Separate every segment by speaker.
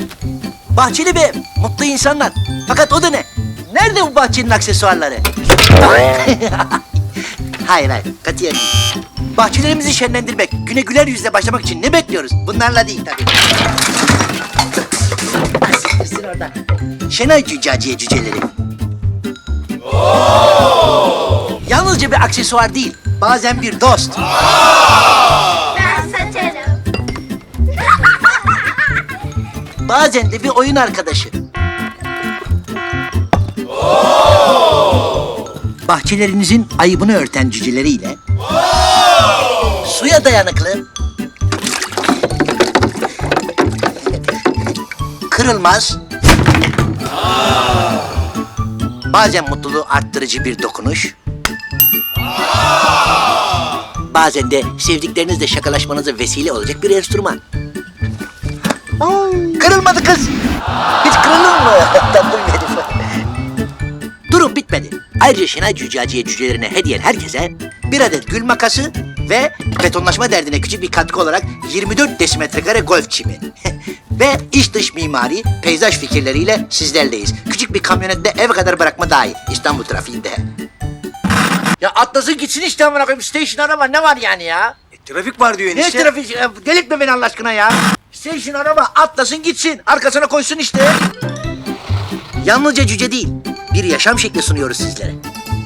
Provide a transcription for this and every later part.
Speaker 1: Bahçeli Bey, mutlu insanlar. Fakat o da ne? Nerede bu bahçenin aksesuarları? Hayır, katiyen değil. Bahçelerimizi şenlendirmek, güne güler yüzle başlamak için ne bekliyoruz? Bunlarla değil tabii. Siktirsin orada. Şenay Cüccaciye cüceleri. Yalnızca bir aksesuar değil, bazen bir dost.
Speaker 2: Ben satarım.
Speaker 1: Bazen de bir oyun arkadaşı. Bahçelerinizin ayıbını örten cüceleriyle suya dayanıklı, kırılmaz, bazen mutluluğu arttırıcı bir dokunuş, bazen de sevdiklerinizle şakalaşmanıza vesile olacak bir enstrüman. Kırılmadı kız. Hiç kırılır mı? Tatlım benim. Durum bitmedi. Ayrıca Şenay Cüccaciye cücelerine hediyen herkese bir adet gül makası ve betonlaşma derdine küçük bir katkı olarak 24 desimetrekare golf çimi. Ve iç dış mimari, peyzaj fikirleriyle sizlerleyiz. Küçük bir kamyonette eve kadar bırakma dahil İstanbul trafiğinde. Ya atlasın gitsin işte amına koyayım. Station araba ne var yani ya?
Speaker 3: Trafik var diyor
Speaker 1: Ne
Speaker 3: enişte.
Speaker 1: trafik? Delirtme beni Allah aşkına ya. Station araba atlasın gitsin. Arkasına koysun işte. Yalnızca cüce değil, bir yaşam şekli sunuyoruz sizlere.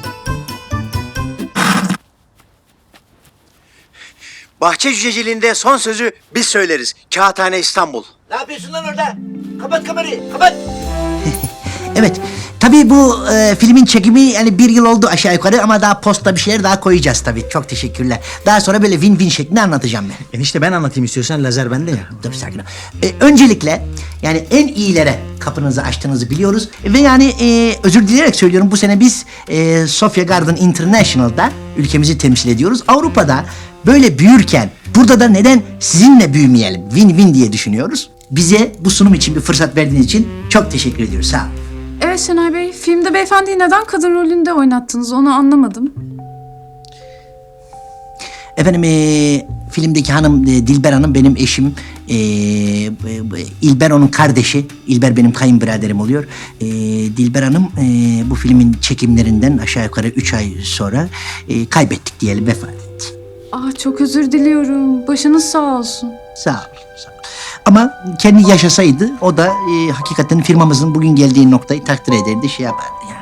Speaker 3: Bahçe cüceciliğinde son sözü biz söyleriz. Kağıthane İstanbul.
Speaker 1: Ne yapıyorsun lan orada? Kapat kamerayı, kapat. Evet, tabii bu filmin çekimi yani 1 yıl oldu aşağı yukarı ama daha posta bir şeyler daha koyacağız tabii. Çok teşekkürler. Daha sonra böyle win-win şeklinde anlatacağım ben.
Speaker 4: Enişte ben anlatayım istiyorsan, lazer bende ya.
Speaker 1: Dur sakin ol. Öncelikle yani en iyilere kapınızı açtığınızı biliyoruz. Ve yani özür dileyerek söylüyorum, bu sene biz Sofia Garden International'da ülkemizi temsil ediyoruz. Avrupa'da böyle büyürken burada da neden sizinle büyümeyelim? Win-win diye düşünüyoruz. Bize bu sunum için bir fırsat verdiğiniz için çok teşekkür ediyoruz. Sağ olun.
Speaker 5: Evet Şenay Bey, filmde beyefendiyi neden kadın rolünde oynattınız onu anlamadım.
Speaker 1: Efendim filmdeki hanım Dilber Hanım benim eşim. İlber onun kardeşi. İlber benim kayınbiraderim oluyor. Dilber Hanım bu filmin çekimlerinden aşağı yukarı 3 ay sonra kaybettik diyelim, vefat etti.
Speaker 5: Çok özür diliyorum. Başınız sağ olsun.
Speaker 1: Sağ olun. Sağ olun. Ama kendi yaşasaydı o da hakikaten firmamızın bugün geldiği noktayı takdir ederdi, şey yapardı yani.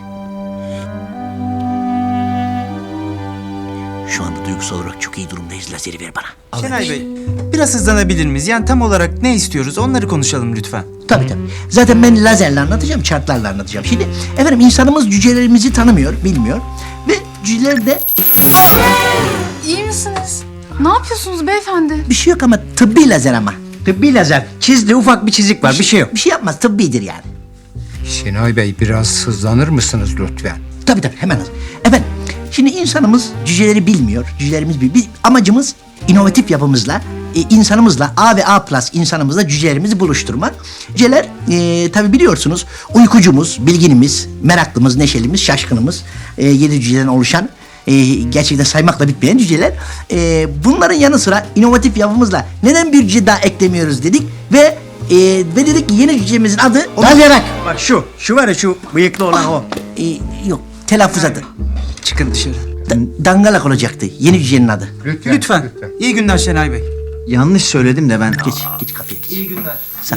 Speaker 1: Şu anda duygusal olarak çok iyi durumdayız. Lazeri ver bana.
Speaker 6: Şenay Bey, biraz hızlanabilir miyiz? Yani tam olarak ne istiyoruz onları konuşalım lütfen.
Speaker 1: Tabii. Zaten ben lazerle anlatacağım, chartlarla anlatacağım. Şimdi efendim insanımız cücelerimizi tanımıyor, bilmiyor. Ve cüceler de
Speaker 5: İyi misiniz? Ne yapıyorsunuz beyefendi?
Speaker 1: bir şey yok ama tıbbi lazer ama.
Speaker 4: Tıbbi lazer. Çizdi, ufak bir çizik var, bir şey yok.
Speaker 1: Bir şey yapmaz, tıbbidir yani.
Speaker 7: Şenay Bey biraz hızlanır mısınız lütfen?
Speaker 1: Tabii hemen hızlı. Efendim şimdi insanımız cüceleri bilmiyor, cücelerimiz bilmiyor. Amacımız inovatif yapımızla, insanımızla, A ve A plus insanımızla cücelerimizi buluşturmak. Cüceler tabii biliyorsunuz uykucumuz, bilginimiz, meraklımız, neşelimiz, şaşkınımız, 7 cüceden oluşan gerçekten saymakla bitmeyen cüceler. Bunların yanı sıra inovatif yapımızla neden bir cüce daha eklemiyoruz dedik ve dedik ki yeni cücemizin adı...
Speaker 4: Dalyarak. Bak şu var ya, şu bıyıklı olan o.
Speaker 1: Yok, telaffuz adı.
Speaker 6: Çıkın dışarı.
Speaker 1: Dangalak olacaktı yeni cücenin adı.
Speaker 6: Lütfen. İyi günler Şenay Bey.
Speaker 4: Yanlış söyledim de ben.
Speaker 1: Geç kapıya geç.
Speaker 6: İyi günler.
Speaker 1: Sağ ol.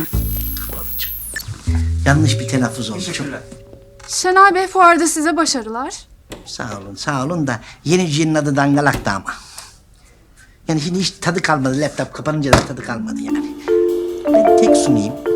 Speaker 1: Yanlış bir telaffuz oldu. Çok
Speaker 5: Şenay Bey, fuarda size başarılar.
Speaker 1: sağ olun da yeni cücenin adı Dangalak'tı ama. Yani şimdi hiç tadı kalmadı, laptop kapanınca da tadı kalmadı yani. Ben tek sunayım.